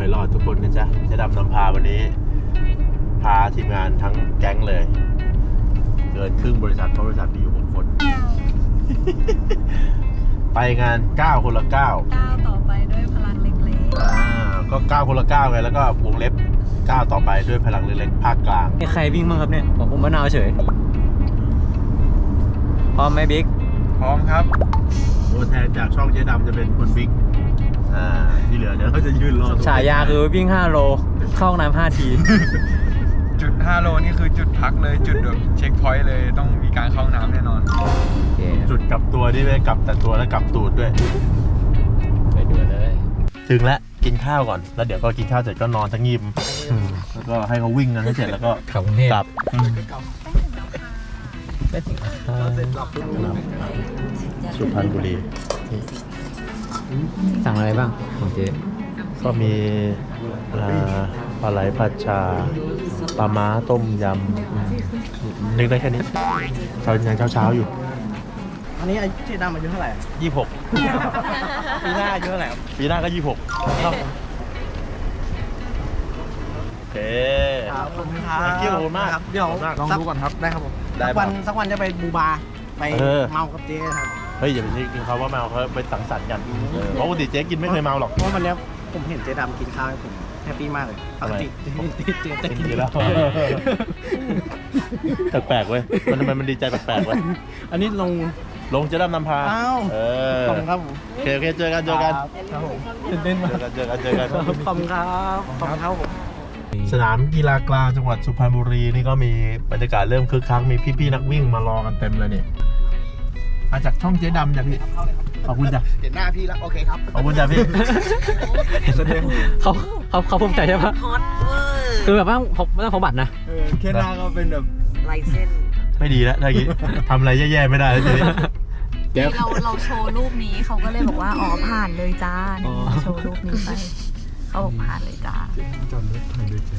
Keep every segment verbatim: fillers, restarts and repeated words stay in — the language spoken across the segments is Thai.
อยรอดทุกคนนะจ๊ะเจ๊ดำนำพาวันนี้พาทีมงานทั้งแก๊งเลยเกินครึ่งบริษัทเพราะบริษัทมีอยู่หกคน ไปงานเก้าคนละเก้าก้าวต่อไปด้วยพลังเล็กๆอ่าก็เก้าคนละเก้าไงแล้วก็วงเล็บเก้าต่อไปด้วยพลังเล็กๆภาคกลางมีใครวิ่งบ้างครับเนี่ยผมมะนาวเฉยพร้อมไหมบิ๊กพร้อมครับตัวแทนจากช่องเจ๊ดำจะเป็นคนบิ๊กอ่าที่เหลือเดี๋ยวเราจะยืนรอฉายาคือวิ่งห้าโลเข้าห้องน้ำห้าทีจุดห้าโลนี่คือจุดพักเลยจุดแบบเช็คพอยต์เลยต้องมีการเข้าห้องน้ำแน่นอนจุดกลับตัวนี่ไม่กลับแต่ตัวแล้วกลับตูดด้วยไปดูเลยถึงแล้วกินข้าวก่อนแล้วเดี๋ยวก็กินข้าวเสร็จก็นอนทั้งยิมแล้วก็ให้เขาวิ่งกันให้เสร็จแล้วก็กลับกรุงเทพกลับไม่ถึงสุพรรณบุรีสั่งอะไรบ้างของเจ๊ก็มีปลาไหลผัดชาปลาม้าต้มยำนึกได้แค่นี้เช้ายังเช้าเช้าอยู่อันนี้เจ๊ดำอายุเท่าไหร่ยี่สิบหกปีหน้าอายุเท่าไหร่ปีหน้าก็ยี่สิบหกครับโอเคขอบคุณครับขอบคุณมากเดี๋ยวลองดูก่อนครับได้ครับผมสักวันสักวันจะไปบูบาไปเมากับเจ๊ครับเฮ้ยอย่าไปกินเขาว่าเมาเขาไปสังสรรค์กันเพราะปกติเจ๊กินไม่เคยเมาหรอกเพราะวันนี้ผมเห็นเจ๊ดำกินข้าวผมแฮปปี้มากเลยปกติเจ๊จะกินแล้วแปลกๆเว้ยมันทำไมมันดีใจแปลกๆเว้ยอันนี้ลงลงเจ๊ดำนำพาอ้าวขอบคุณครับผมโอเคโอเคเจอกันเจอกันครับผมเต้นมาเจอกันเจอกันเจอกันขอบคุณครับขอบคุณครับผมสนามกีฬากลางจังหวัดสุพรรณบุรีนี่ก็มีบรรยากาศเริ่มคึกคักมีพี่ๆนักวิ่งมารอกันเต็มเลยนี่มาจากช่องเจ๊ดำจ้ะพี่ขอบคุณจ้ะเห็นหน้าพี่แล้วโอเคครับขอบคุณจ้ะพี่เขาเขาเขาภูมิใจใช่ปะคือแบบว่าผมไม่ต้องผมบัตรนะแค่หน้าก็เป็นแบบลายเส้นไม่ดีแล้วถ้าอย่างนี้ทำอะไรแย่ๆไม่ได้แล้วทีนี้เราเราโชว์รูปนี้เขาก็เลยบอกว่าอ๋อผ่านเลยจ้าโชว์รูปนี้ไปเขาบอกผ่านเลยจ้าจำได้ผ่านเลยเจ๊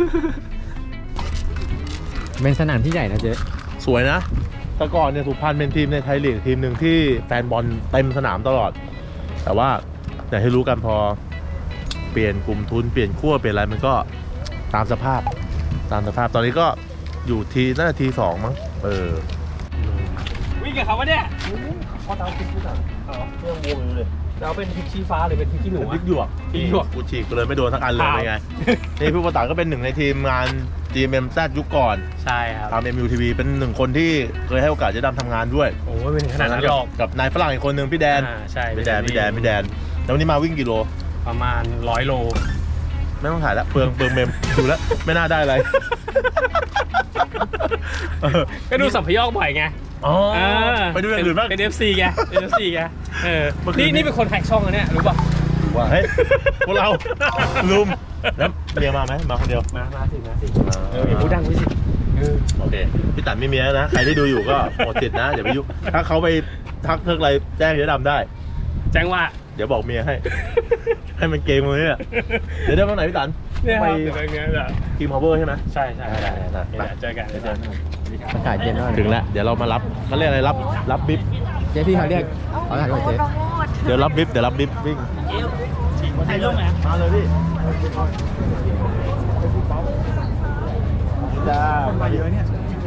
เป็นสนามที่ใหญ่นะเจ๊สวยนะแต่ก่อนเนี่ยสุพรรณเป็นทีมในไทยลีกทีมหนึ่งที่แฟนบอลเต็มสนามตลอดแต่ว่าอย่างที่รู้กันพอเปลี่ยนกลุ่มทุนเปลี่ยนขั้วเปลี่ยนอะไรมันก็ตามสภาพตามสภาพตอนนี้ก็อยู่ทีน่าจะทีสองมั้งเออวิ่งกับเขาวะเนี่ยเขาทำพริกที่ไหนอ๋อเรื่องวงอยู่เลยเราเป็นพริกชี้ฟ้าหรือเป็นพริกขี้หนูพริกหยวกพริกหยวกกูฉีกเลยไม่โดนสักอันเลยเป็นไงนี่ผู้ประกาศก็เป็นหนึ่งในทีมงาน จี เอ็ม เอ็ม แซด ยุคก่อนใช่ครับทำ เอ็ม ยู ที วี เป็นหนึ่งคนที่เคยให้โอกาสเจ๊ดำทำงานด้วยโอ้ยเป็นขนาดนั้นหรอกกับนายฝรั่งอีกคนหนึ่งพี่แดนใช่พี่แดนพี่แดนพี่แดนแล้ววันนี้มาวิ่งกี่โลประมาณร้อยโลไม่ต้องถ่ายแล้วเปลืองเปลืองเมมดูแล้วไม่น่าได้อะไรก็ดูสัมภยอกบ่อยไงอ๋อไปดูอย่างอื่นบ้างเป็น เอฟ ซี ไงเป็น เอฟ ซี ไงเออนี่นี่เป็นคนแฮกช่องนะเนี่ยรู้ป่ะว่าเฮ้ยพวกเราลุมแล้วเมียมาไหมมาคนเดียวมามาสิมาสิเอออย่าพูดดังไว้สิโอเคพี่ตันไม่มีนะใครที่ดูอยู่ก็หมดสิทธิ์นะอย่าไปยุ่งถ้าเขาไปทักเทิกอะไรแจ้งเจ๊ดำได้แจ้งว่าเดี๋ยวบอกเมียให้ให้มันเกมเลยเนี่ยเดี๋ยวได้เมื่อไหร่พี่ตันไปทีมพาวเวอร์ใช่ไหมใช่ใช่ได้ได้เจอกันเจอกันอากาศเย็นมากถึงแล้วเดี๋ยวเรามารับเขาเรียกอะไรรับรับบิ๊บเจ๊พี่เขาเรียกเขาถ่ายรูปเจ๊เดี๋ยวรับบิ๊บเดี๋ยวรับบิ๊บวิ่งถ่ายรูปไหมมาเลยพี่จ้ามาเยอะเนี่ย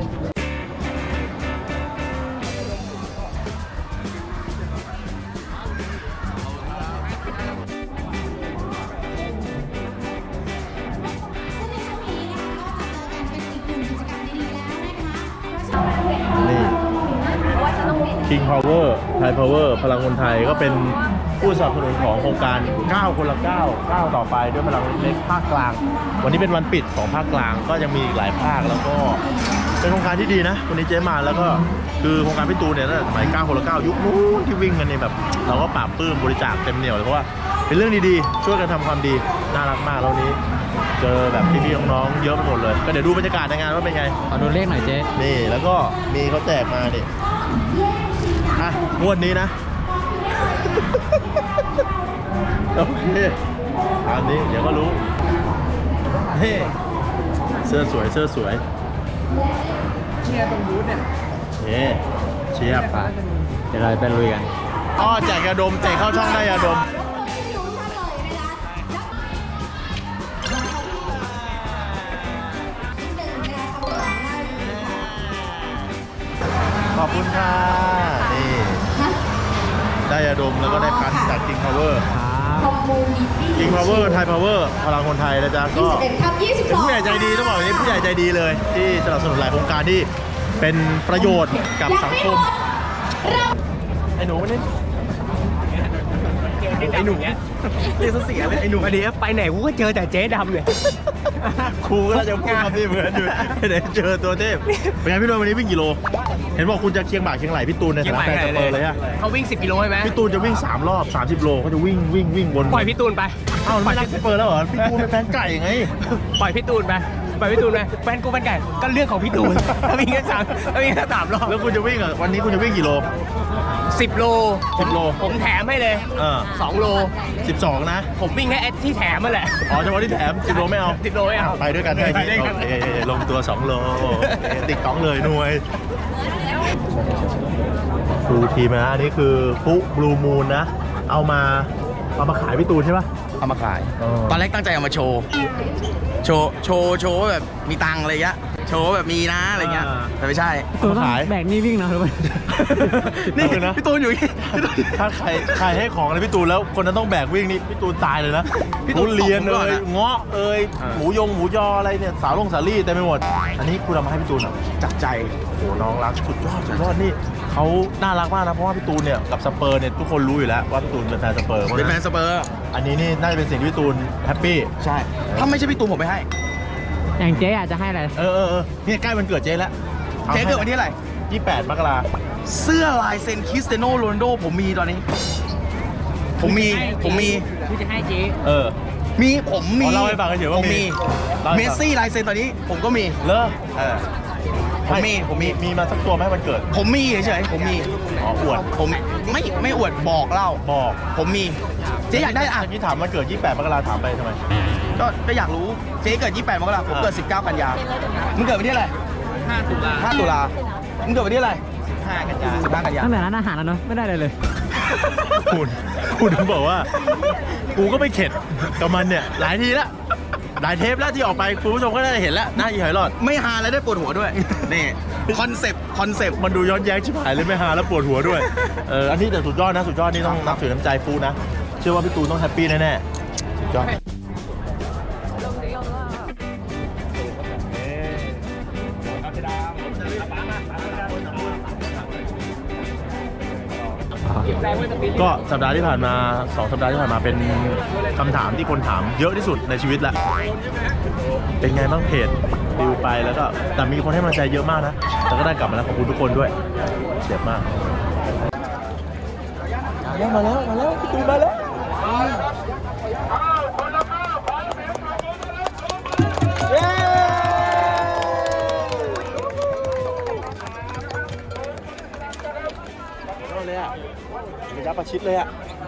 King Power Thai Power พลังคนไทยก็เป็นผู้สนับสนุนของโครงการเก้าคนละเก้า เก้าต่อไปด้วยพลังเล็กภาคกลางวันนี้เป็นวันปิดของภาคกลางก็ยังมีอีกหลายภาคแล้วก็เป็นโครงการที่ดีนะวันนี้เจ๊มาแล้วก็คือโครงการพี่ตูนเนี่ยตั้งแต่สมัยเก้าคนละเก้ายุคนู้นที่วิ่งกันเนี่ยแบบเราก็ปราบปลื้มบริจาคเต็มเหนียวเลยเพราะว่าเป็นเรื่องดีๆช่วยกันทำความดีน่ารักมากแล้วนี้เจอแบบพี่ๆน้องๆเยอะไปหมดเลยก็เดี๋ยวดูบรรยากาศในงานว่าเป็นไงขอดูเลขหน่อยเจ๊นี่แล้วก็มีเขาแจกมาดิอ่ะงวดนี้นะโอเคอันนี้เดี๋ยวก็รู้เฮ้เสื้อสวยเสื้อสวยเชียร์ตรงบูธเนี่ยเฮ้เชียร์ไปเดี๋ยวเราไปลุยกันอ๋อแจกยาดมแจกเข้าช่องได้ยาดมค่ะนี่ได้ยาดมแล้วก็ได้คันจาก King Power King Power Thai Power พลังคนไทยนะจ๊ะก็เป็นผู้ใหญ่ใจดีต้องบอกอย่างนี้ผู้ใหญ่ใจดีเลย ที่สนับสนุนหลายโครงการที่เป็นประโยชน์กับสังคมไอ้หนูมานี่ไอ้หนูเนี้ยเรียกเสียเลยไอ้หนูอันนี้ไปไหนกูก็เจอแต่เจ๊ดำเลยครูก็จะพูดคำนี้เหมือนอยู่ไปไหนเจอตัวเทพเป็นไงพี่ตูนวันนี้วิ่งกี่โลเห็นบอกคุณจะเชียงบ่าเชียงไหลพี่ตูนในฐานะแฟนสเปอร์เลยอะเขาวิ่งสิบกิโลใช่ไหมพี่ตูนจะวิ่งสามรอบสามสิบโลเขาจะวิ่งวิ่งวิ่งวนปล่อยพี่ตูนไปเอ้าไม่รักสเปอร์แล้วเหรอพี่ตูนเป็นแฟนไก่ไงปล่อยพี่ตูนไปปล่อยพี่ตูนไปแฟนกูแฟนไก่ก็เรื่องของพี่ตูนถ้าวิ่งแค่สามถ้าวิ่งแค่สามรอบแล้วคุณจะวิ่งอ่ะวันนี้คุณจะวิ่งกี่โลสิบโลสิบโลผมแถมให้เลยเออสองโลสิบสองนะผมวิ่งแค่ที่แถมมาแหละอ๋อเฉพาะที่แถมสิบโลไม่เอาสิบโลไม่เอาไปด้วยกันได้ไปด้วยกันโอเคลงตัวสองโลติ๊กต้องเลยหน่วยดูทีมนะอันนี้คือฟุบลูมูนนะ เอามาเอามาขายพี่ตูนใช่ปะเอามาขายอ๋อตอนแรกตั้งใจเอามาโชว์ โชว์ โชว์ โชว์ว่าแบบมีตังค์อะไรเงี้ย โชว์ว่าแบบมีนะอะไรเงี้ย แต่ไม่ใช่เอามาขายแบกนี่วิ่งนะหรือเปล่านี่เอาเลยนะพี่ตูนอยู่นี่ถ้าใครใครให้ของอะไรพี่ตูนแล้วคนนั้นต้องแบกวิ่งนี่พี่ตูนตายเลยนะพี่ตูนทุเรียนตบผมก่เลอนยอะเงาะเอ้ยหมูยงหมูยออะไรเนี่ยสาวลงสาลี่เต็มไปหมด อันนี้คุณเอามาให้พี่ตูนเหรอจากใจโอ้โหน้องรักสุดยอดสุดยอดนี่เขาน่ารักมากนะเพราะว่าพี่ตูนเนี่ยกับสเปอร์เนี่ยทุกคนรู้อยู่แล้วว่าพี่ตูนเป็นแฟนสเปอร์เพราะเป็นฉะแฟนั้นนสเปอร์อันนี้นี่น่าจะเป็นสิ่งที่พี่ตูนแฮปปี้ใช่ ถ้าไม่ใช่พี่ตูนผมไม่ให้อย่างเจ๊อาจจะให้อะไรเออเออเออเนี่ยใกล้วันเกิดเจ๊แล้วเจ๊เกิดวันที่อะไรยี่แปดมกราเสื้อลายเซ็นคริสเตียโนโรนัลโดผมมีตอนนี้ ผมมี ผมมีที่จะให้เจ๊เออมี ผมมีอ๋อเล่าให้ฟังเฉยๆว่าผมมีมีเล่าให้ฟังเมสซี่ลายเซ็นตอนนี้ ผมก็มีเลอเออ ผมมี ผมมีมีมาสักตัวไหมวันเกิดผมมีเฉยๆ ผมมีอ๋ออวดผมไม่ไม่อวดบอกเล่าบอกผมมี เจ๊อยากได้อ่ะเมื่อกี้ถามวันเกิดยี่แปดมกราถามไปทำไมก็ก็อยากรู้ เจ๊เกิดยี่สิบแปดมกราคมผมเกิดสิบเก้ากันยามึงเกิดวันที่อะไรห้าตุลาห้าตุลามึงเกิดวันที่อะไรห้ากันยาสิบห้ากันยาตั้งแต่ร้านอาหารแล้วเนาะไม่ได้เลยเลยคุณคุณถึงบอกว่า กูก็ไม่เข็ดกับมันเนี่ย หลายทีแล้ว หลายเทปแล้วที่ออกไปคุณผู้ชมก็ได้เห็นแล้วหน้าอีหอยหลอดไม่ฮาแล้วได้ปวดหัวด้วย นี่ คอนเซปต์ คอนเซปต์มันดูย้อนแย้งชิบหายเลยไม่ฮาแล้วปวดหัวด้วย เออ อันนี้แต่สุดยอดนะ สุดยอดนี่ต้องนับถือน้ำใจฟูนะ เชื่อว่าพี่ตูนต้องแฮปปี้แน่ๆ สุดยอด ก็สัปดาห์ที่ผ่านมาสองสัปดาห์ที่ผ่านมาเป็นคำถามที่คนถามเยอะที่สุดในชีวิตละเป็นไงบ้างเพจดิวไปแล้วก็แต่มีคนให้กำลังใจเยอะมากนะแต่ก็ได้กลับมาแล้วขอบคุณทุกคนด้วยเจ็บมากมาแล้วมาแล้วพี่ตูนมาแล้วเลยอ่ะระยะประชิดเลยอ่ะ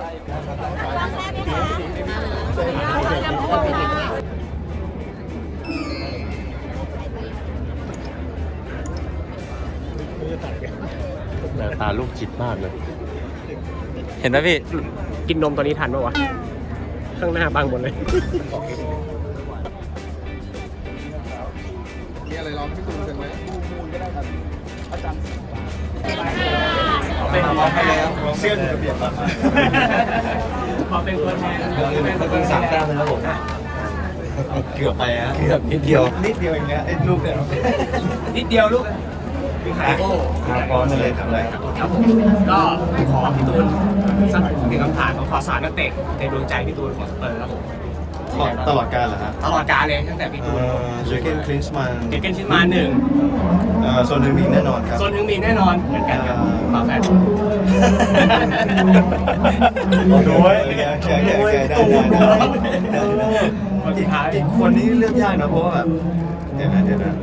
หน้าตาลูกจิตมากเลยเห็นไหมพี่ กินนมตอนนี้ทันปะวะ ข้างหน้าบังหมดเลยมีอะไรร้องพี่ตูนกันไหมเป็นตัวแทนเสื้อถูกระเบียบมาขอเป็นตัวแทนเป็นสามแต้มเลยครับผมเกือบไปฮะเกือบนิดเดียวนิดเดียวอย่างเงี้ยไอ้ลูกเนี่ยนิดเดียวลูกพี่ขาโก้พร้อมเลยทำอะไรครับครับผมก็ขอพี่ตูนสักหนึ่งคำถามของขอสารนักเตะในดวงใจพี่ตูนของสเปอร์ครับผมตลอดการเหรอฮะตลอดกาลเลยตั้งแต่พี่ตูนเจอเกนคลินส์มันเกเกนชินมาหนึ่งโซนหนึ่งมีแน่นอนครับโซนหนึ่งมีแน่นอนเหมือนกันครับฝาแฝดดูไว้โอเคโอเคโอเคโอเคได้ได้ได้อีกอีกคนนี้เลือกยากนะเพราะว่าแบบเดี๋ยวนะเดี๋ยวนะ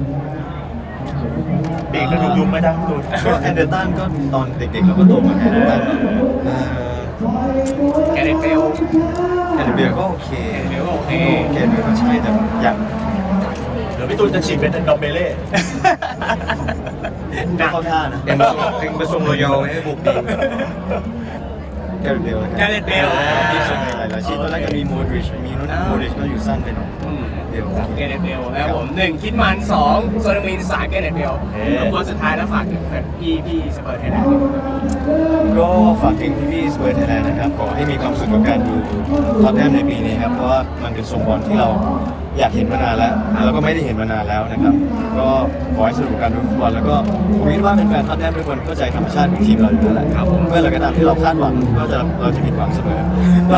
ปีกกระดูกยุงไม่ได้พี่ตูนก็แอนเดอร์ตันก็ตอนเด็กๆเราก็โตมาแอนเดอร์ตันเอ่อแกเรตเบลแอนเดอร์เบียร์ก็โอเคเบลก็โอเคโอเคเบียร์ก็ใช่แต่อยากเดี๋ยวพี่ตูนจะฉีกเป็นดอมเบเล่ไม่เข้าท่านะเป็นเป็นทรงรอยอลให้บุกดีแกเรตเบลแกเรตเบลที่สุดในหลายๆชีพตอนแรกก็มีโมดริชมีนุ่นโมดริชก็อยู่สั้นไปหน่อยเดี๋ยวเกเรตเบลแล้วผมหนึ่งคิดมันสองโซนมินสามเกเรตเบลแล้วคนสุดท้ายแล้วฝากถึงแฟนพี่พี่สเปอร์ไทยแลนด์ก็ฝากถึงพี่ๆสเปอร์ไทยแลนด์นะครับขอให้มีความสุขกับการดูท็อตแนมในปีนี้ครับเพราะว่ามันเป็นทรงบอลที่เราอยากเห็นมานานแล้วแล้วก็ไม่ได้เห็นมานานแล้วนะครับก็ขอให้สนุกกับการดูฟุตบอลแล้วก็ผมคิดว่าเป็นแฟนท็อตแนมทุกคนเข้าใจธรรมชาติของทีมเราอยู่แล้วแหละครับเมื่อไหร่ก็ตามที่เราคาดหวังก็จะเราจะผิดหวังเสมอ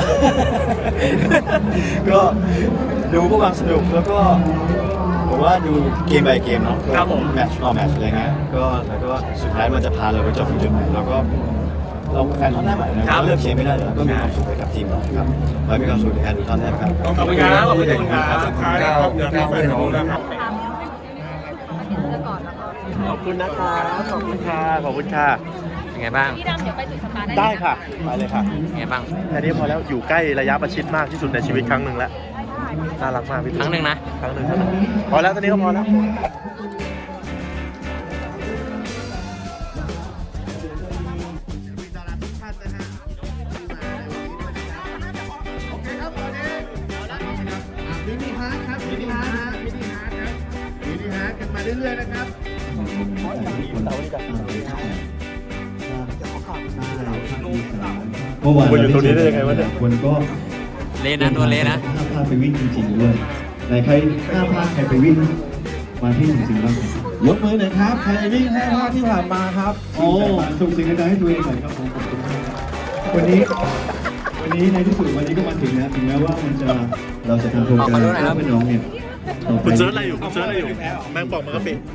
ก็ดูเพื่อความสนุกแล้วก็ผมว่าดูเกม by เกมเนาะครับผมแมตช์ต่อแมตช์อะไรเงี้ยก็แล้วก็สุดท้ายมันจะพาเราไปจบที่จุดไหนเราก็เราแฟนท็อตแนมอะนะครับเลือกเชียร์ไม่ได้แล้วก็มีความสุขไปกับทีมเราครับไว้มีความสุขในการดูท็อตแนมครับขอบคุณครับขอบคุณครับสุดท้ายนะครับเดี๋ยวพี่ไปน้องนะครับขอบคุณนะคะขอบคุณค่ะขอบคุณค่ะเป็นไงบ้างพี่ดำเดี๋ยวไปจุดสตาร์ทได้ค่ะไปเลยค่ะเป็นไงบ้างแค่นี้พอแล้วอยู่ใกล้ระยะประชิดมากที่สุดในชีวิตครั้งหนึ่งแล้วน่ารักมากพี่ครั้งหนึ่งนะครั้งหนึ่งครั้งหนึ่งพอแล้วตอนนี้ก็พอแล้วมินิฮาร์ดครับมินิฮาร์ดฮะมินิฮาร์ดครับมินิฮาร์ดกันมาเรื่อยๆนะครับเมื่อวานมาอยู่ตรงนี้ได้ยังไงวะเนี่ยคนก็เละนะตัวเละนะห้าพลาดไปวิ่งจริงๆด้วยไหนใครห้าพลาดใครไปวิ่งมาที่จริงๆบ้างยกมือหน่อยครับใครวิ่งห้าพลาดที่ผ่านมาครับโอ้ส่งสิ่งใดๆให้ตัวเองหน่อยครับผมขอบคุณมากครับวันนี้วันนี้ในที่สุดวันนี้ก็มาถึงแล้วถึงแม้ว่ามันจะเราจะทำโครงการเพื่อน้องเนี่ยคุณเซิร์ชอะไรอยู่คุณเซิร์ชอะไรอยู่แมงป่องมันก็ปิด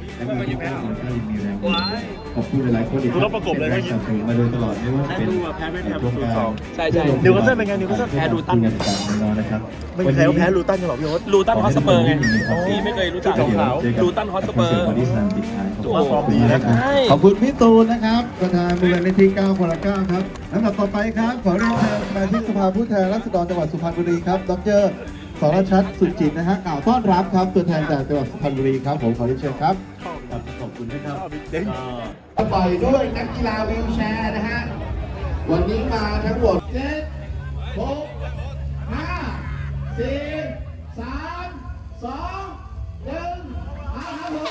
ขอบคุณหลายๆคนอีกคุณต้องประกบเลยนะสนับสนุนมาโดยตลอดไม่ว่าจะเป็นโครงการใช่ใช่นิวคาสเซิลเป็นไงนิวคาสเซิลแพ้ดูตั้งกันต่างๆน้องนะครับไม่มีใครว่าแพ้ลูตันกันหรอกพี่โอ๊ตลูตันฮอสเปอร์ไงพี่ไม่เคยรู้จัก ลูตันฮอตสเปอร์ถือว่าฟอร์มดีนะขอบคุณพี่ตูนนะครับประธานมูลนิธิเก้าคนละเก้าครับลำดับต่อไปครับขอเรียนเชิญสมาชิกสภาผู้แทนราษฎรจังหวัดสุพรรณบุรีครับดรสรชัดสุจิตนะฮะกล่าวต้อนรับครับตัวแทนจากจังหวัดสุพรรณบุรีครับผมขอเรียนเชิญครับขอบคุณนะครับปล่อยด้วยนักกีฬาวีลแชร์นะฮะ วันนี้มาทั้งหมดเจ็ดหกห้าสี่สามสองหนึ่งเอาครับผม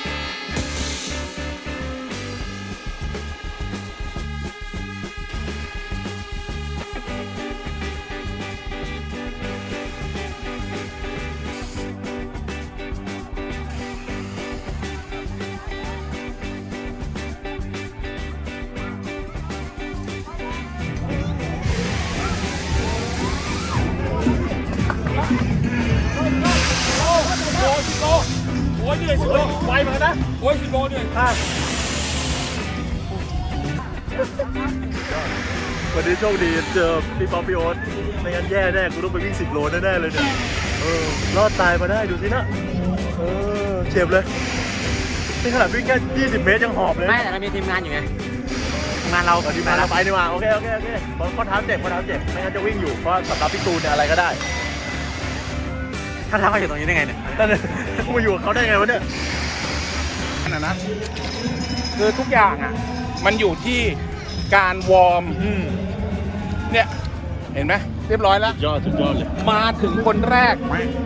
วันนี้โชคดีเจอพี่ป๊อปพี่โอ๊ตไม่งั้นแย่แน่กูต้องไปวิ่งสิบโลแน่ๆเลยเนี่ยเออรอดตายมาได้ดูสินะเออเจ็บเลยนี่ขนาดวิ่งแค่ยี่สิบเมตรยังหอบเลยไม่แต่เรามีทีมงานอยู่ไงทีมงานเราเอาทีมงานเราไปดีกว่าโอเคโอเคโอเคเพราะข้อเท้าเจ็บข้อเท้าเจ็บไม่งั้นจะวิ่งอยู่เพราะสำหรับพี่ตูนเนี่ยอะไรก็ได้ถ้าทำมาอยู่ตรงนี้ได้ไงเนี่ยนั่นเลยกูมาอยู่กับเขาได้ไงวะเนี่ยขนาดนั้นคือทุกอย่างอ่ะ มันอยู่ที่การวอร์มอืมเนี่ย เห็นไหมเรียบร้อยแล้วยอดสุดยอดเลยมาถึงคนแรก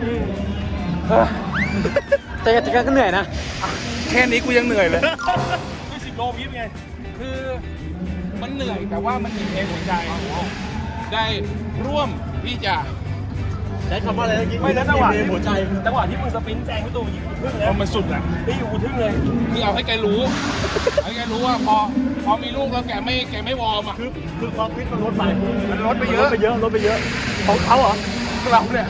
แต่แต่ก็เหนื่อยนะแค่นี้กูยังเหนื่อยเลยคือสิบโลวิบไง คือมันเหนื่อยแต่ว่ามันมีเพลงหัวใจได้ร่วมที่จะใช้คำว่าอะไรเมื่อกี้ไม่แล้วจังหวะมีหัวใจจังหวะที่มึงสปรินต์แซงพี่ตูยิงกูทึ่งแล้วมันสุดอ่ะพี่อยู่กูทึ่งเลยคือเอาให้แกรู้เอาให้แกรู้ว่าพอพอมีลูกแล้วแกไม่แกไม่วอร์มอ่ะคือคือความฟิตมันลดไปมันลดไปเยอะลดไปเยอะลดไปเยอะของเขาเหรอเราเนี่ย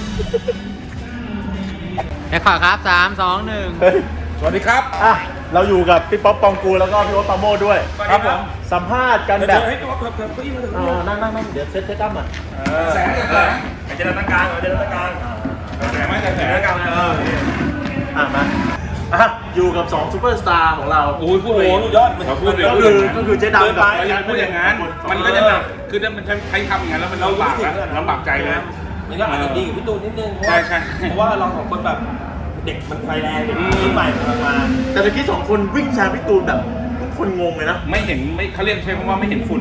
แอคข่าวครับสามสองหนึ่งเฮ้ยสวัสดีครับอ่ะเราอยู่กับพี่ป๊อปปองกูลแล้วก็พี่โอ๊ตปราโมชด้วยครับผมสัมภาษณ์กันแบบให้ตัวเพิ่มเพิ่มเพิ่มอ่านั่งนั่งนั่งเดี๋ยวเซตเซตตั้มอ่ะแสงแสงเจรตาการเจรตาการแสงไม่แต่แสงการเอออ่ะมาอ่ะอยู่กับสองซูเปอร์สตาร์ของเราโอ้ยพูดเลยยอดเขาพูดเลยก็คือก็คือเจ๊ดำกับอย่าพูดอย่างนั้นมันก็จะหนักคือถ้ามันใช้คำอย่างนั้นแล้วมันลำบากแล้วลำบากใจเลยมันก็อาจจะดีกับพี่ตูนนิดนึงเพราะใช่ว่าใช่เพราะว่าเราสองคนแบบเด็กมันไฟแรงเด็กรุ่นใหม่กำลังมาแต่เมื่อกี้สองคนวิ่งแซงพี่ตูนแบบทุกคนงงเลยนะไม่เห็นไม่เขาเรียกใช้คำว่าไม่เห็นฝุ่น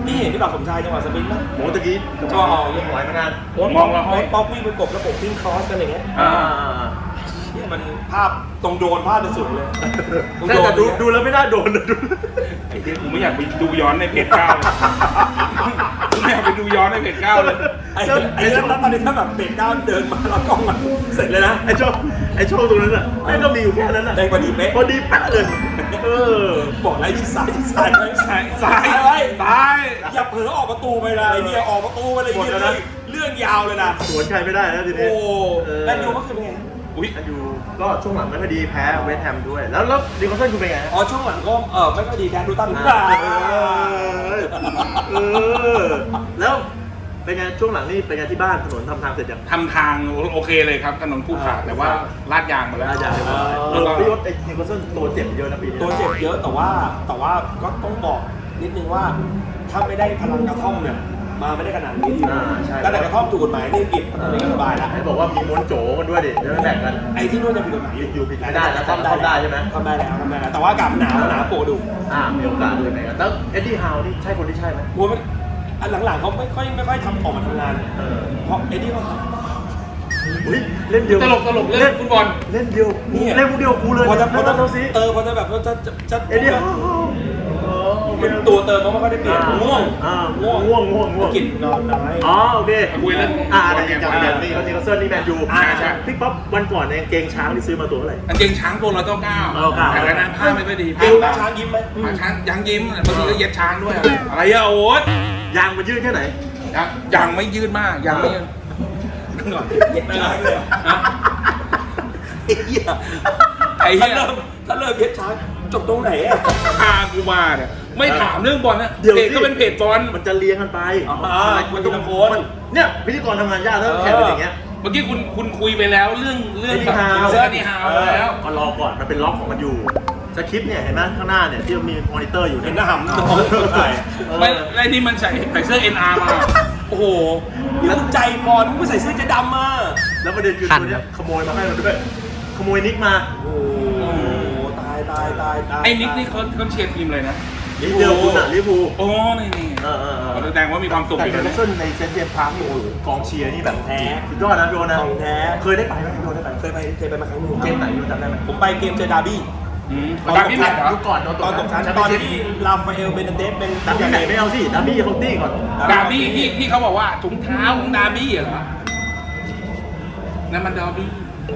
พี่เห็นพี่บ่าวสมชายจังหวะสปรินต์ไหมโอ้ตะกี้ก็เอายังหอยมานานโอ้มองเราป๊อกวิ่งไปกบแล้วผมวิ่งครอสกันอย่างเงี้ยอ่าเนี่ยมันภาพตรงโดนภาพเป็นสุดเลยตรงแต่โดนแต่ดูดูแล้วไม่น่าโดนนะดูไอ้เด็กกูไม่อยากไปดูย้อนในเพจเก้าเลยกูไม่อยากไปดูย้อนในเพจเก้าเลยไอ้ไอ้แล้วตอนนี้ถ้าแบบเบรกก้าวเดินมาแล้วกล้องมันเสร็จเลยนะไอ้ช่องไอ้ช่องตรงนั้นอ่ะแม่งก็มีอยู่แค่นั้นอ่ะได้พอดีเป๊ะพอดีแป๊ะเลยเออบอกอะไรที่ซ้ายที่ซ้ายไว้ซ้ายซ้ายไว้ซ้ายอย่าเผลอออกประตูไปนะไอ้เนี่ยออกประตูไปเลยเนี่ยเรื่องยาวเลยนะสวนใครไม่ได้นะทีนี้โอ้เออแมนยูเมื่อคืนเป็นไงอุ้ยแมนยูก็ช่วงหลังไม่ค่อยดีแพ้เวสต์แฮมด้วย แล้วแล้วดิคอนเซนคุณเป็นไงอ๋อช่วงหลังก็เออไม่ค่อยดีแดนดูตันเออเออแล้วเป็นไงช่วงหลังนี่เป็นไงที่บ้านถนนทำทางเสร็จยังทำทางโอเคเลยครับถนนคู่ขาแต่ว่าลาดยางมาแล้วน่าจะเรียบร้อยเออพี่ยศไอ้ดิคอนเซนตัวเจ็บเยอะนะปีนี้ตัวเจ็บเยอะแต่ว่าแต่ว่าก็ต้องบอกนิดนึงว่าถ้าไม่ได้พลังกระท่อมเนี่ยมาไม่ได้ขนาดนี้ทีอ่าใช่ตั้งแต่กระท่อมถูกกฎหมายนี่ผิดตอนนี้ก็สบายแล้วให้บอกว่ามีม้วนโจกันด้วยดิแล้วแบ่งกันไอ้ที่นู่นจะผิดกฎหมายอยู่ผิดไม่ได้แล้วทำได้ใช่ไหมทำได้แล้วทำได้แล้วแต่ว่าอากาศมันหนาวหนาวโปะดูอ่ามีโอกาสด้วยไหมกันแล้วเอ็ดดี้ฮาวนี่ใช่คนที่ใช่ไหมกลัวมันอันหลังๆเขาไม่ค่อยไม่ค่อยทำออกมาทำงานเออเพราะเอ็ดดี้เขาอุ้ยเล่นเดียวตลกตลกเล่นฟุตบอลเล่นเดียวเล่นพวกเดียวกูเลยพอจะพอจะเท่าซีเออพอจะแบบจะจะจะเอ็ดดี้ฮาวมันตัวเติมเขาไม่ค่อยได้เปลี่ยนง่วงอ่าง่วงง่วงง่วงง่วงกินนอนน้อยอ๋อโอเคคุยเรื่องอ่าแต่อย่างอย่างอย่างนี่เขาทีเขาเซิร์นี่แมนยูอ่าใช่พี่ป๊อปวันก่อนในยกางเกงช้างที่ซื้อมาตัวเท่าไหร่กางเกงช้างตัวละเก้าเก้าเก้าเก้าแต่ละนั้นผ้าไม่ค่อยดีเอวช้างยิ้มไหมผ้าช้างยังยิ้มบางทีก็เย็ดช้างด้วย อะไรอะโอ๊ตยางมันยืดแค่ไหนยังยังไม่ยืดมากยังไม่ยืดก่อนเย็ดช้างเลยฮะไอ้เหี้ยไอ้เหี้ถ้าย เริ่มถ้าเริ่มเย็ดช้างจบตรงไหนอะพากูมาเนี่ยไม่ถามเรื่องบอลนะเดี๋ยวเพจสิก็เป็นเพจบอลมันจะเลี้ยงกันไปอ่ามันต้องโคนเนี่ยพิธีกรทำงานยากแล้วแข่งกันอย่างเงี้ยเมื่อกี้คุณคุณคุยไปแล้วเรื่องเรื่องไอ้นี่ฮาวเสื้อนี่ฮาวแล้วก็รอก่อนมันเป็นล็อกของมันอยู่สคริปต์เนี่ยเห็นไหมข้างหน้าเนี่ยที่มันมีมอนิเตอร์อยู่เห็นหน้าหำต้องใส่ไม่ไอ้ที่มันใส่ใส่เสื้อ เอ็น อาร์ มาโอ้โหแล้วใจบอลมึงไม่ใส่เสื้อเจะดำมาแล้วประเด็นคือตัวเนี้ยขโมยมาให้เราด้วยขโมยนิกมาโอ้โหตายตายตายตายไอ้นิกนี่เขาเขาเชียร์ทีมเลยนะลิเวอร์พูลอ่ะลิเวอร์พูลโอ้นี่นี่เออเออเออแสดงว่ามีความสุขแต่อีกเดแล้วนนะเซนในเซนต์เจมส์พาร์คนี่โอ้โหกองเชียร์นี่แบบแท้สุดยอดนะโดนนะของแท้เคยได้ไปไหมโดนได้ไปเคยไปเคยไปมาครั้งหนึงเกมไหนโดนจำได้ไหมผมไปเกมเจอดาร์บี้อืมตอนดาร์บี้แมตช์เหรอยุคก่อนโดนตอนตกชั้นแชมตป์อนเปี้ยนที่ชิพลาฟาเอลเบนเดสเป็นดาร์บี้ไหนไม่เอาสิดาร์บี้เขาตี้ก่อนดาร์บี้ที่ที่เขาบอกว่าถุงเท้าของดาร์บี้เหรอนั่นมันดาร์บี้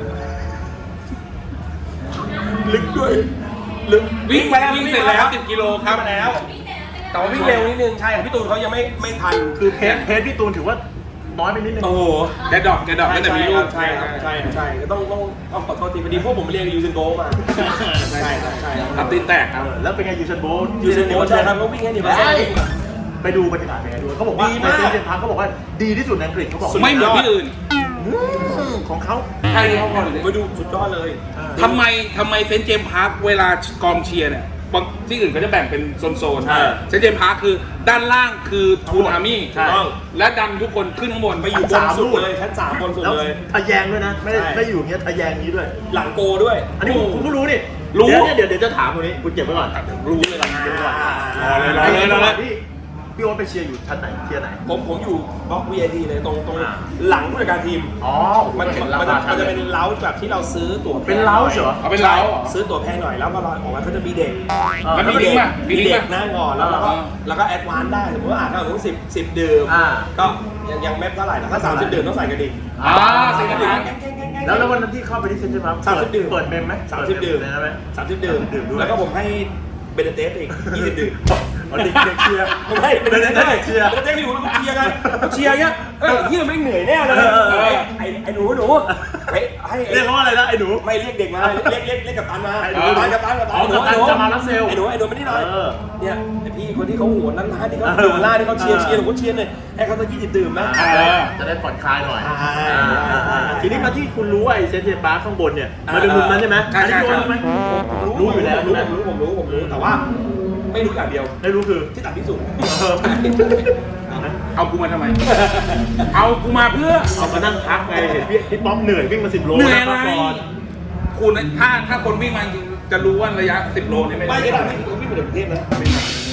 ลึกด้วยลึกวิ่งไปแล้ววิ่งเสร็จแล้วสิบกิโลครับมาแล้ว แต่ว่าวิ่งเร็วนิดนึงใช่พี่ตูนเขายังไม่ไม่ทันคือเพจเพจพี่ตูนถือว่าน้อยไปนิดนึงโอ้โหแกดอกแกดอกตั้งแต่มีลูกใช่ครับใช่ครับใช่ก็ต้องต้องต้องขอโทษทีพอดีพวกผมเรียนยูเซนโบมาใช่ครับใช่ครับทำตีนแตกครับเออแล้วเป็นไงยูเซนโบลต์ยูเซนโบใช่ครับเขาวิ่งแค่นี้ใช่ไปดูบรรยากาศเป็นไงด้วยเขาบอกว่าดีในมากเซนต์เจมส์พาร์คเขาบอกว่าดีที่สุดในอังกฤษเขาบอกไม่เหมือนที่อื่นของเขาใช่เขาก่อนเลยไปดูสุดยอดเลยทำไมทำไมเซนต์เจมส์พาร์คเวลากองเชียร์เนี่ยบางที่อื่นเขาจะแบ่งเป็นโซนๆใช่เซนต์เจมส์พาร์คคือด้านล่างคือทูนอาร์มี่ใช่และดันทุกคนขึ้นข้างบนไปอยู่บนสุดเลยชั้นสามบนสุดแล้วเลยทะแยงด้วยนะ ไม่ได้ใช่ไม่อยู่อย่างเงี้ยทะแยงนี้ด้วยหลังโกด้วยอันนี้คุณคุณก็รู้นี่รู้เดี๋ยวเนี่ยเดี๋ยวเดี๋ยวจะถามตรงนี้คุณเก็บไว้ก่อนรู้เลยล่ะเก็บไว้ก่อนรอเลยรอไอ้เลยรอจังหเลวะยที่พี่โอ๊ตไปเชียร์อยู่ชั้นไหนเชียร์ไหนผมผมอยู่บล็อก วี ไอ พี เลยตรงตรงอ่าหลังผู้จัดการทีมอ๋อมันเห็มันรามันคาจะชั้มันนจะเลเป็ยนเล้าแบบที่เราซื้อตั๋วแพงเป็นเล้าเหรอเอาเป็นเล้าเหรอซื้อตั๋วแพงหน่อยแล้วก็รอออกมาก็จะมีเด็กแล้วมีลิงก์ป่ะมีมีลิงก์เด็กป่ะนั่งก่อนแล้วเราก็อ่าแล้วก็แอดวานซ์ได้สมมติว่าอ่านถ้าสมมติสิบสิบดื่มอ่าก็ยังยังไม่เท่าไหร่นะถ้าสามสิบดื่มต้องใส่กระดิ่งอ่าใส่กระดิ่งแล้วแล้ววันนั้นที่เข้าไปที่เซ็นทรัลพาร์คสามสิบดื่มเปิดเมมไหมสามสิบดื่มเปิเมไหมสามสิบดื่มดื่มด้วยแล้วก็ผมให้เบนเดเตสอีกยี่สิบดื่มเอาเด็กเด็กเชียร์ผมให้เบนเดเตสเด็กเชียร์เบนเดเตสอยู่แล้วก็เชียร์กันก็เชียร์เงี้ยเอ้ยเฮียไม่งเหนื่อยแน่เลยเออเออเออไอ้ไอ้หนูหนูให้ให้เรียกเขาว่าอะไรนะไอ้หนูไม่เรียกเด็กมาเรียกเรียกเรียกกับตันมาไอ้หนูกับตันกับตันกับตันอ๋อกัปตันจะมารับเซลล์ไอ้หนูไอ้หนูไม่ได้หน่อยเออเนี่ยไอ้พี่คนที่เขาโหัวนั้นร้านที่เขาเออดื่มล่าที่เขาเชียร์เชียร์หนูก็เชียร์เลยให้เขาสักยี่สิบดื่มนะเออจะได้ผ่อนคลายหน่อยใช่อ่าอ่าอ่าทีนี้มาที่คุณรู้ว่าไอ้เซ็นทรัลพาร์คข้างบนเนี่ยมันเป็นมุมนั้นใช่ไหมใช่ใช่อันนี้รู้ไหมผมรู้อยู่แล้วรู้ใช่ไหมผมรู้ผมรู้ผมรู้แต่ว่าไม่รู้อย่างเดียวไม่รู้คือที่ต่ำที่สุดเออเอากูมาทำไม เอากูมาเพื่อเอามานั่งพักไงเห็นพี่พี่ป๊อปเหนื่อยวิ่งมาสิบโลเหนื่อยอะไรพักก่อนคุณถ้าถ้าคนวิ่งมาจริงๆจะรู้ว่าระยะสิบโลนี่ไม่ไม่ได้ได้ต่ำที่สุดวิ่งไปถึงกรุงเทพนะ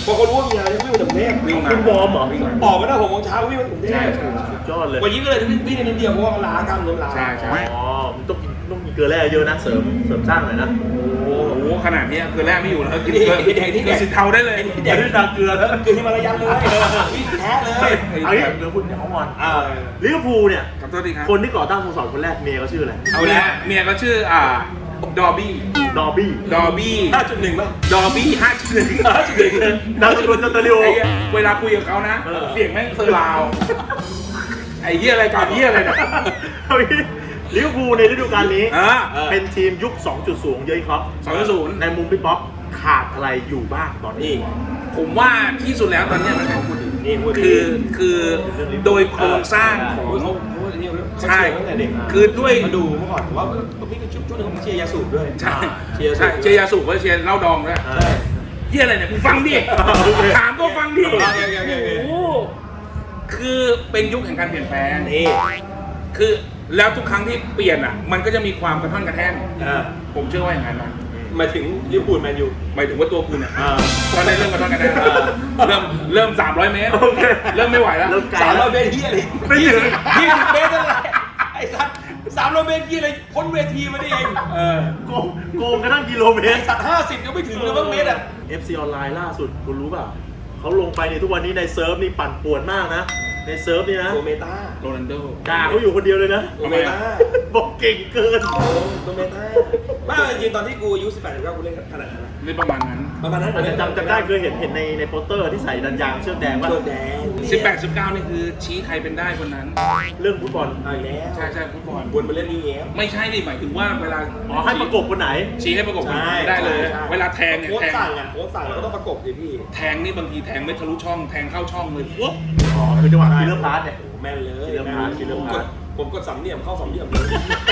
พอเขารู้ว่ามีงานวิ่งมาถึงกรุงเทพวิ่งมาคุณวอร์มเหรอออกมาได้หกโมงเช้าวิ่งมาถึงกรุงเทพสุดยอดเลยวันนี้ก็เลยวิ่งในนิดเดียวเพราะว่าล้ากล้ามเนื้อล้าใช่ใช่อ๋อมันต้องกินต้องมีเกลือแร่เยอะนะเสริมเสริมสร้างหน่อยนะโอ้โหขนาดนี้คือแรกไม่อยู่แล้วกินเกลือกินสินเทาได้เลยเด็กด้วยเกลือแล้วเกลือที่มาระยำเลยวิ่งแท้เลยเอางี้เดี๋ยวคุณเขางอนอ่าลิเวอร์พูลเนี่ยขอโทษทีครับคนที่ก่อตั้งสโมสรคนแรกเมียเขาชื่ออะไรเอาละเมียก็ชื่ออ่าดอร์บี้ดอร์บี้ดอร์บี้ห้าจุดหนึ่งป่ะดอร์บี้ห้าจุดหนึ่งห้าจุดหนึ่งดาวสกุลจันตริโอไอ้เหี้ยเวลาคุยกับเขานะเออเสียงแม่งเซอร์ราว ไอ้เหี้ยอะไรก่อนเหี้ยอะไรเนี่ยเอางี้ลิเวอร์พูลในฤดูกาลนี้อ่าเป็นทีมยุค สองจุดศูนย์ เยอะครับสองจุดศูนย์ในมุมพี่ป๊อปขาดอะไรอยู่บ้างตอนนี้ผมว่าที่สุดแล้วตอนเนี้ยมันเป็นพูดดีนี่พูดดีคือคือโดยโครงสร้างของเขาพูดนี่เขาใช่ตั้งแต่เด็กคือด้วยมาดูเมื่อก่อนผมว่าพี่ก็ชุบชุดหนึงผมเชียร์ยาสูบด้วยใช่เชียร์ใช่เชียร์ยาสูบก็เชียร์เหล้าดองด้วยใช่เหี้ยอะไรเนี่ยมึงฟังดิโอเคถามก็ฟังดิโอเคโอเคโอเคโอ้โหคือเป็นยุคแห่งการเปลี่ยนแปลงนี่คือแล้วทุกครั้งที่เปลี่ยนอ่ะ มันก็จะมีความกระท่อนกระแท่นอ่าผมเชื่อว่าอย่างนั้นนะหมายถึงลิเวอร์พูลแมนยูหมายถึงว่าตัวคุณเนี่ยอ่าตอนนี้เริ่มกระท่อนกระแท่นอ่าเริ่มเริ่มสามร้อยเมตรโอเคเริ่มไม่ไหวแล้วเริ่มไกลสามร้แล้อวยเมตรที่อะไรไม่ถึงยี่สิบเมตรนั่นแหละไอ้สัตว์สามร้อยเมตรที่อะไรพ้นเวทีมาได้เองเออโกงโกงกระทั่งกิโลเมไอ้ตรสัตว์ห้าสิบยังไม่ถึงเลยบ้างเมตรอ่ะเอฟ ซี ออนไลน์ล่าสุดคุณรู้เปล่าเขาลงไปในทุกวันนี้ในเซิร์ฟนี่ปั่นป่วนมากนะ ในเซิร์ฟนี่นะโดเมตาโรนัลโดด่าเขาอยู่คนเดียวเลยนะโดเมตาบอกเก่งเกินโดเมตาบ้าจริงๆตอนที่กูอายุสิบแปดสิบเก้ากูเล่นขนาดนั้นนะนี่ประมาณนั้นประมาณนั้นอาจจะจำจำได้เคยเห็นเห็นในในโปสเตอร์ที่ใส่ดันยางเชือกแดงว่าตัวแดงสิบแปด สิบเก้านี่คือชี้ใครเป็นได้คนนั้นเรื่องฟุตบอลเอาอีกแล้วใช่ใช่ฟุตบอลวนมาเล่นนี่แย้มไม่ใช่ดิหมายถึงว่าเวลาอ๋อให้ประกบคนไหนชี้ให้ประกบได้เลย เวลาแทงเนี่ยโค้ชแทงสั่งอ่ะโค้ชสั่งแล้วก็ต้องประกบดิพี่แทงนี่บางทีแทงไม่ทะลุช่องแทงเข้าช่องเลยปุ๊บอ๋อคือจังหวะคิลเลอร์พาร์ทเนี่ยแม่นเลยคิดเรื่องพาร์ทคิดเรื่องผมพาก ร์ดทผมกดสามเหลี่ยมเข้าสามเหลี่ยมเลย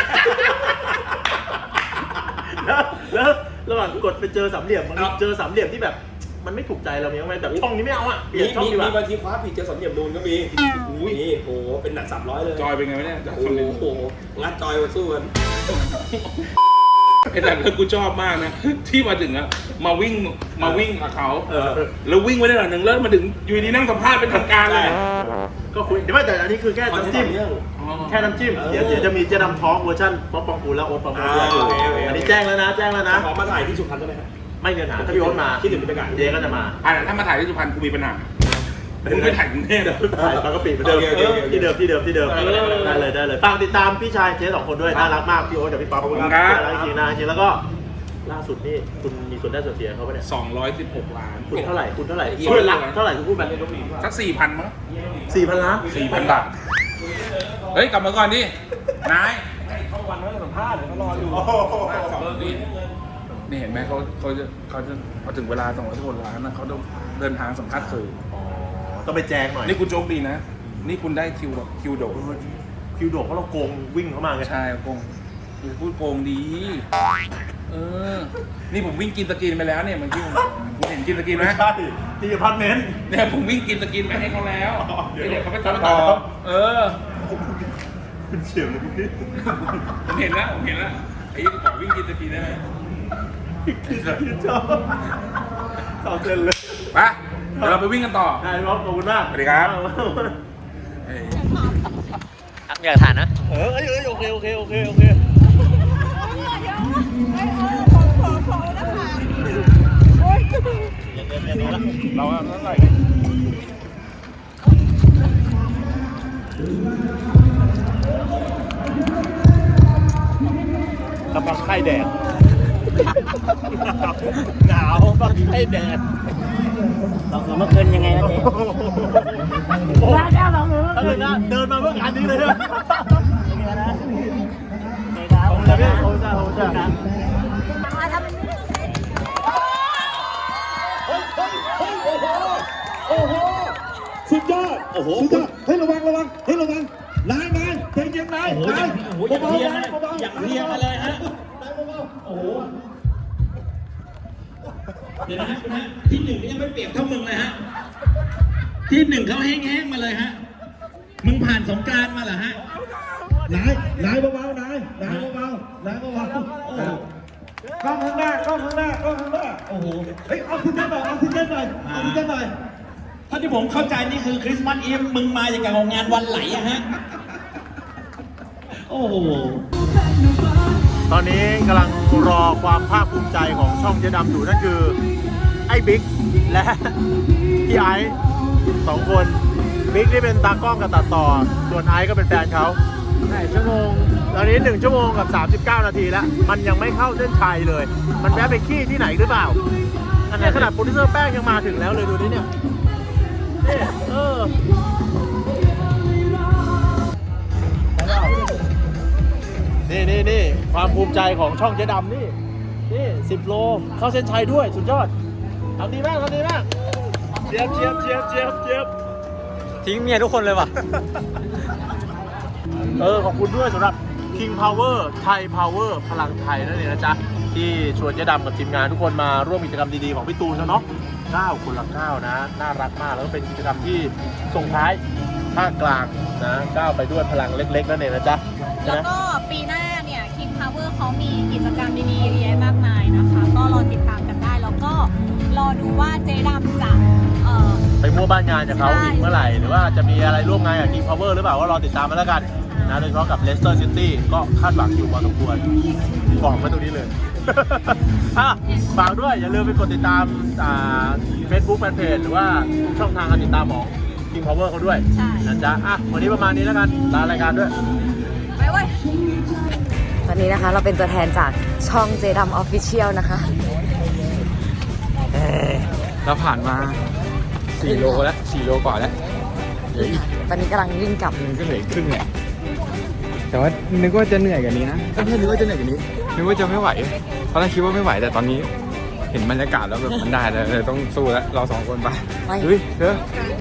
แล้วแล้วระหว่างกดไปเจอสามเหลี่ยมมันมีเจอสามเหลี่ยมที่แบบ มันไม่ถูกใจเรามีบ้างไหมแบบช่องนี้ไม่เอาอ่ะเปลี่ยนช่องมีดีกว่ามีบางทีคว้าผิดเจอสามเหลี่ยมนูนก็มีอุ้ยนี่โหเป็นหนักสามร้อยเลยจอยเป็นไงวะเนี่ยจากโอ้คนหนึ่งโหงัดจอยมาสู้กันไอ้แต่แล้วกูชอบมากนะ ที่มาถึงอะมาวิ่งมาวิ่งกับเขาเออแล้ววิ่งไปได้หน่อยหนึ่งแล้วมาถึงอยู่ดีนั่งสัมภาษณ์เป็นทางการเลยก็คุยเดี๋ยวไม่แต่อันนี้คือแค่น้ำจิ้มอ๋อแค่น้ำจิ้ม เดี๋ยวเดี๋ยวจะมีเจ๊ดำท้องเวอร์ชันป๊อปปองกูลและโอ๊ตปองกูลด้วยอ่าโอเคโอเคอันนี้แจ้งแล้วนะ แจ้งแล้วนะขอมาถ่ายที่สุพรรณได้ไหมครับไม่มีปัญหาถ้าพี่โอ๊ตมาคิดถึงบรรยากาศเจ๊ก็จะมาอ่ะถ้ามาถ่ายที่สุพรรณกูมีปัญหามึงไปถ่ายกรุงเทพถ่ายบางกะปิเหมือนเดิมโอเคโอเคโอเคที่เดิมที่เดิมที่เดิมเออได้เลยได้เลยฝากติดตามพี่ชายเจ๊สองคนด้วยน่ารักมากพี่โอ๊ตกับพี่ป๊อปขอบคุณครับน่ารักจริงๆนะจริงๆแล้วก็ล่าสุดนี่คุณมีส่วนได้ส่วนเสียเขาปะเนี่ยสองร้อยสิบหกล้านคุณเท่าไหร่คุณเท่าไหร่เยอะช่วยรักเท่าไหร่คุณพูดแบบสักสี่พันมั้งสี่พันล้านสี่พันบาท เฮ้ย กลับมาก่อนดิ นายเข้าวันไว้สัมภาษณ์เดี๋ยวเขารออยู่นี่นี่เห็นไหมเขาเขาจะเขาจะพอถึงเวลาสองร้อยสิบหกล้านนะเขาต้องเดินทางสัมภาษณ์สื่ออ๋อต้องไปแจ้งหน่อยนี่คุณโชคดีนะ นี่คุณได้คิวแบบคิวโดดคิวโดกเพราะเราโกงวิ่งเข้ามาไงใช่โกงคือพูดโกงดี เออ นี่ผมวิ่งกินสกินไปแล้วเนี่ยเมันที่คุณเห็นกินสกินไหมใช่ที่อพาร์ตเมนต์เนี่ยผมวิ่งกินสกินไปให้เขาแล้วอ๋อเดี๋ยวเดี๋ยวเขาไปตัตัดดต่ต่ออ เออคุณเฉียวเลยพี่ผมเห็นแล้วผมเห็นแล้วไอ้ขอวิ่งกินสกินได้ไหมชอบชอบเต้นเลยไปเดี๋ยวเราไปวิ่งกันต่อได้ครับขอบคุณมากสวัสดีครับ เอ้ยอยากทานนะเออเอ้ยเอ้ยโอเคโอเคโอเคโอเคเราอะเท่าไหร่กำลังไข้แดด หนาวกำลังไข้แดดเราคือเมื่อคืนยังไงนะเจ๊โอ้ถ้าเกิดนะเดินมาเมื่องานนี้เลยใช่ไหมขอบคุณครับขอบคุณจ้าขอบคุณจ้าสุดยอด โอ้โหสุดยอดเฮ้ยระวังระวังเฮ้ยระวังนายนายใจเย็นนายนายเบาๆนายเบาๆอยากเรียงมาเลยฮะนายเบาๆโอ้โหเดี๋ยวนะนะที่หนึ่งยังไม่เปรียบเท่ามึงเลยฮะ ที่หนึ่งเขาแห้งๆมาเลยฮะ มึงผ่านสงกรานต์มาเหรอฮะนายนายเบาๆนายนายเบาๆนายเบาๆโอ้กล้องข้างหน้ากล้องข้างหน้ากล้องข้างหน้าโอ้โหเฮ้ยออกซิเจนหน่อยออกซิเจนหน่อยออกซิเจนหน่อยถ้าที่ผมเข้าใจนี่คือคริสต์มาสอีฟมึงมาอย่างกับงานวันไหลอะฮะโอ้โหตอนนี้กำลังรอความภาคภูมิใจของช่องเจ๊ดำอยู่นั่นคือไอ้บิ๊กและพี่ไอซ์สองคนบิ๊กนี่เป็นตากล้องกับตัดต่อส่วนไอซ์ก็เป็นแฟนเขาใช่ชั่วโมงตอนนี้หนึ่งชั่วโมงกับสามสิบเก้านาทีแล้วมันยังไม่เข้าเส้นชัยเลย มันแวะไปขี้ที่ไหนหรือเปล่าอันนี้ขนาดโปรดิวเซอร์แป้งยังมาถึงแล้วเลยดูนี่เนี่ยนี่เออนี่นี่นี่ความภูมิใจของช่องเจ๊ดำนี่นี่สิบโลเข้าเส้นชัยด้วยสุดยอดทำดีมากทำดีมากเจี๊ยบเจี๊ยบเจี๊ยบเจี๊ยบเจี๊ยบทิ้งเมียทุกคนเลยว่ะเออขอบคุณด้วยสำหรับ King Power Thai Power พลังไทยนั่นเองนะจ๊ะที่ชวนเจ๊ดำกับทีมงานทุกคนมาร่วมกิจกรรมดีๆของพี่ตูนเนาะเก้าคนละเก้านะน่ารักมากแล้วก็เป็นกิจกรรมที่ส่งท้ายภาคกลางนะก้าวไปด้วยพลังเล็กๆนั่นเองนะจ๊ะใช่แล้ไหมวก็ปีหน้าเนี่ย King Power เขามีกิจกรรมดีๆเยอะแยะมากมายนะคะ ก็รอติดตามกันได้ แล้วก็รอดูว่าเจ๊ดำจะเอ่อไปมั่วบ้านงานกับเขาใช่อีกเมื่อไหร่ หรือว่าจะมีอะไรร่วมงานกับ King Power หรือเปล่าว่ารอติดตามมาแล้วกันนะโดยเฉพาะกับ Leicester City ก็คาดหวังอยู่พอสมควรบอกมาตรงนี้เลย อ่ะฝากด้วยอย่าลืมไปกดติดตามอ่า Facebook Fanpage หรือว่าช่องทางการติดตามของ King Power เขาด้วยใช่นะจ๊ะอ่ะวันนี้ประมาณนี้แล้วกันลารายการด้วยไปเว้ยตอนนี้นะคะเราเป็นตัวแทนจากช่องเจดัมออฟฟิเชียลนะคะเราผ่านมาสี่โลแล้วสี่โลกว่าแล้วเหลืออีกตอนนี้กำลังวิ่งกลับนึงก็เหลืออีกครึ่งแหละแต่ว่านึกว่าจะเหนื่อยกว่านี้นะก็ไม่นึกว่าจะเหนื่อยกว่านี้นึกว่าจะไม่ไหวตอนแรกคิดว่าไม่ไหวแต่ตอนนี้เห็นบรรยากาศแล้วแบบมันได้แล้วเลยต้องสู้แล้วเราสองคนไปไปเฮ้ยเธอ